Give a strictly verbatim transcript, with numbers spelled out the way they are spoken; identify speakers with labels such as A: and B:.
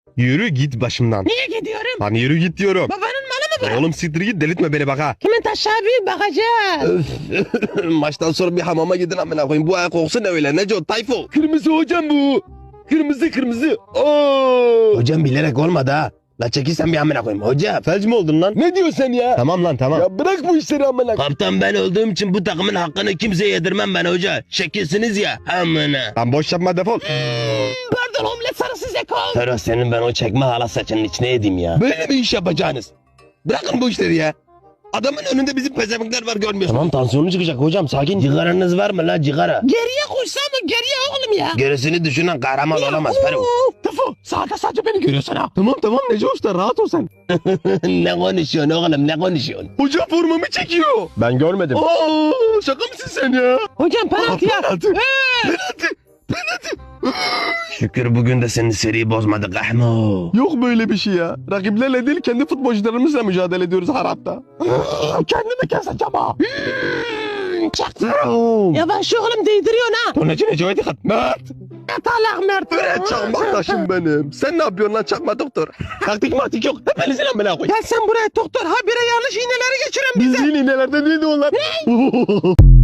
A: Yürü git başımdan.
B: Niye gidiyorum?
A: Lan yürü git diyorum.
B: Babanın malı mı bu?
A: Oğlum siktir git delirtme beni bak ha.
B: Kimin taşağı büyük bakacağız.
A: Maçtan sonra bir hamama gidin amına koyayım. Bu ayak kokusu ne öyle Neco Tayfo.
C: Kırmızı hocam bu. Kırmızı kırmızı. Oo.
A: Hocam bilerek olmadı ha. La çekilsen bir amına koyayım. Hocam felç mi oldun lan?
C: Ne diyorsun sen ya?
A: Tamam lan tamam.
C: Ya bırak bu işleri amına.
D: Kaptan ben olduğum için bu takımın hakkını kimseye yedirmem ben hoca. Şekilsiniz ya amına.
A: Lan boş yapma defol.
B: Pardon omlet sarısı zeko.
D: Ferhat senin ben o çekme hala saçının içine yedim ya.
A: Böyle bir iş yapacaksınız. Bırakın bu işleri ya. Adamın önünde bizim pezevenkler var görmüyorsun.
D: Tamam tansiyonu çıkacak hocam sakin. Cigaranız var mı la cigara?
B: Geriye koşsam mı geriye oğlum ya.
D: Gerisini düşünen kahraman olamaz Ferhat.
B: Tıfı sağda sadece beni görüyorsun ha.
A: Tamam tamam Neco Usta rahat ol sen.
D: Ne konuşuyorsun oğlum ne konuşuyorsun?
A: Hoca formamı çekiyor. Ben görmedim. Oo, şaka mısın sen ya?
B: Hocam penaltı ya.
A: Penaltı. Penaltı. Penaltı.
D: Şükür bugün de senin seriyi bozmadık Ahmo.
A: Yok böyle bir şey ya. Rakiplerle değil kendi futbolcularımızla mücadele ediyoruz harapta.
B: Kendimi keseceğim ha. Çaktım. Yavaş oğlum değdiriyorsun ha.
A: Onun için Neco'ya dikkat. Mert.
B: Atalak Mert.
A: Bre çakmak taşım benim. Sen ne yapıyorsun lan çakma doktor? Taktik maktik yok. Hepinizin amına koy.
B: Gel sen buraya doktor. Ha bire yanlış iğneleri geçiren bize.
A: Biz yine nelerde değildi onlar.